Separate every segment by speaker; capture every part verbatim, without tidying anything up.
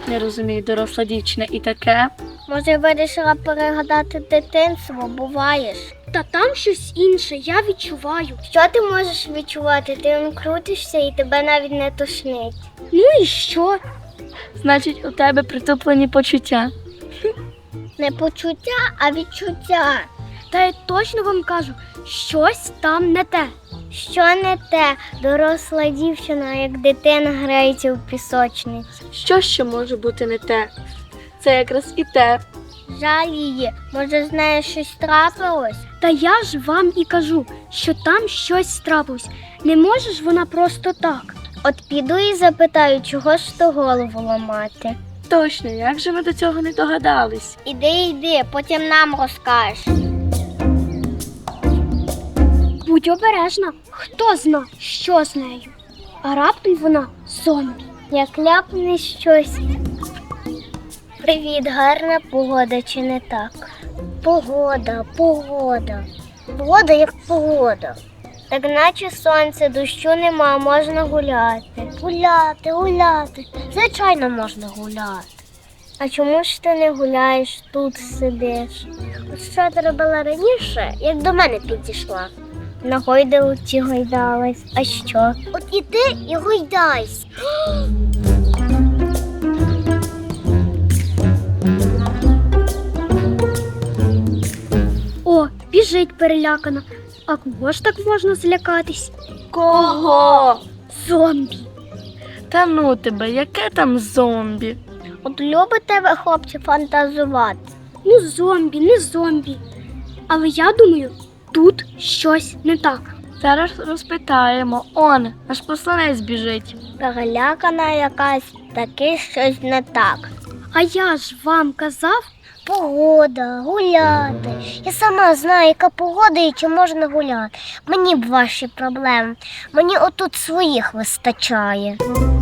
Speaker 1: Не розумію, доросла дівчина і таке.
Speaker 2: Може, вирішила перегадати дитинство, буваєш?
Speaker 3: Та там щось інше, я відчуваю.
Speaker 2: Що ти можеш відчувати? Ти он крутишся і тебе навіть не тошнить.
Speaker 3: Ну і що?
Speaker 1: Значить, у тебе притуплені почуття.
Speaker 2: Не почуття, а відчуття.
Speaker 3: Та я точно вам кажу, щось там не те.
Speaker 2: Що не те? Доросла дівчина, як дитина, грається в пісочниці.
Speaker 1: Що ще може бути не те? Це якраз і те.
Speaker 2: Жаль її. Може, з нею щось трапилось?
Speaker 3: Та я ж вам і кажу, що там щось трапилось. Не може ж вона просто так.
Speaker 2: От піду і запитаю, чого ж то голову ламати.
Speaker 1: Точно, як же ми до цього не догадались?
Speaker 2: Іди, йди, потім нам розкажеш.
Speaker 3: Будь обережна, хто зна, що з нею. А раптом вона зомбі.
Speaker 2: Як ляпне щось. Привіт, гарна погода чи не так? Погода, погода. Погода як погода. Так наче сонце, дощу нема, можна гуляти. Гуляти, гуляти. Звичайно, можна гуляти. А чому ж ти не гуляєш, тут сидиш? От що ти робила раніше, як до мене підійшла? На гойдалці гойдалась. А що? От іди і гойдайся.
Speaker 3: О, біжить перелякана. А кого ж так можна злякатись?
Speaker 1: Кого?
Speaker 3: Зомбі.
Speaker 1: Та ну тебе, яке там зомбі?
Speaker 2: От любите ви, хлопці, фантазувати.
Speaker 3: Ну, зомбі, не зомбі. Але я думаю, тут щось не так.
Speaker 1: Зараз розпитаємо. Он, наш посланець біжить.
Speaker 2: Перелякана якась, таки щось не так.
Speaker 3: А я ж вам казав,
Speaker 2: Погода, гуляти. Я сама знаю, яка погода і чи можна гуляти. Мені б ваші проблеми. Мені отут своїх вистачає.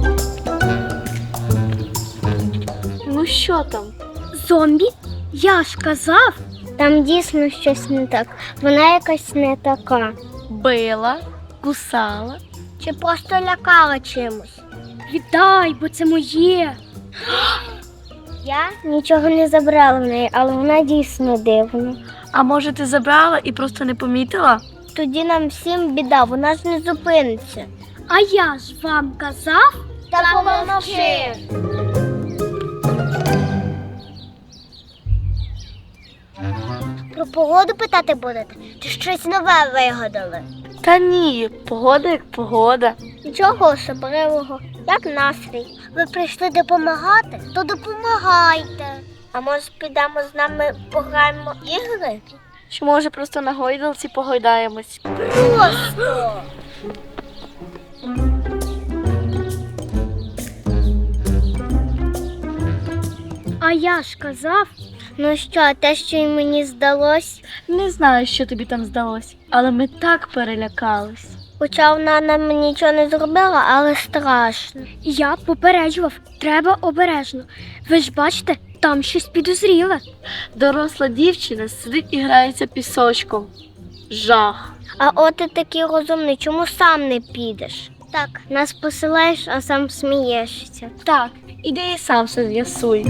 Speaker 1: Ну що там?
Speaker 3: зомбі? Я ж казав.
Speaker 2: Там дійсно щось не так. Вона якась не така.
Speaker 1: Била, кусала.
Speaker 2: Чи просто лякала чимось?
Speaker 3: Віддай, бо це моє.
Speaker 2: Я нічого не забрала в неї, але вона дійсно дивна.
Speaker 1: А може ти забрала і просто не помітила?
Speaker 2: Тоді нам всім біда, вона ж не зупиниться.
Speaker 3: А я ж вам казав.
Speaker 2: Та помовчи! Про погоду питати будете? Чи щось нове вигадали?
Speaker 1: Та ні, погода як погода.
Speaker 2: Нічого особливого, як настрій. Ви прийшли допомагати? То допомагайте. А може підемо з нами пограємо ігри?
Speaker 1: Чи може просто на гойдалці погойдаємось?
Speaker 2: Просто!
Speaker 3: А я ж казав.
Speaker 2: Ну що, те, що й мені здалось?
Speaker 1: Не знаю, що тобі там здалось, але ми так перелякались.
Speaker 2: Хоча вона нам нічого не зробила, але страшно.
Speaker 3: Я попереджував, треба обережно. Ви ж бачите, там щось підозріле.
Speaker 1: Доросла дівчина сидить і грається пісочком. Жах.
Speaker 2: А от ти такий розумний, чому сам не підеш? Так, нас посилаєш, а сам смієшся.
Speaker 1: Так, іди і сам все з'ясуй.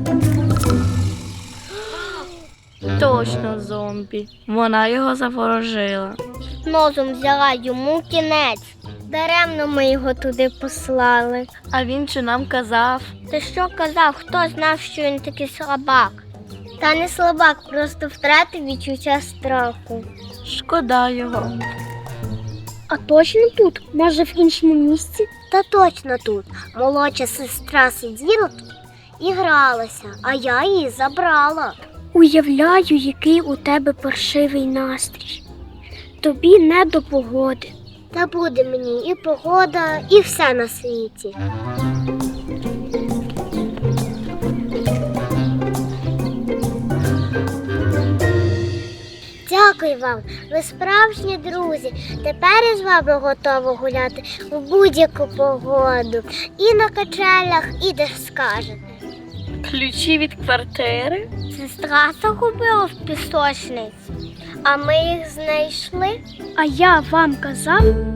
Speaker 1: Точно зомбі. Вона його заворожила.
Speaker 2: Нозом взяла йому кінець. Даремно ми його туди послали.
Speaker 1: А він чи нам казав?
Speaker 2: Ти що казав, хто знав, що він такий слабак? Та не слабак, просто втратив відчуття страху.
Speaker 1: Шкода його.
Speaker 3: А точно тут? Може в іншому місці?
Speaker 2: Та точно тут. Молодша сестра сиділа тут і гралася, а я її забрала.
Speaker 3: Уявляю, який у тебе паршивий настрій. Тобі не до погоди.
Speaker 2: Та буде мені і погода, і все на світі. Дякую вам, ви справжні друзі. Тепер я з вами готова гуляти в будь-яку погоду. І на качелях, і де скажете.
Speaker 1: Ключі від квартири?
Speaker 2: Сестра загубила в пісочниці, а ми їх знайшли.
Speaker 3: А я вам казав.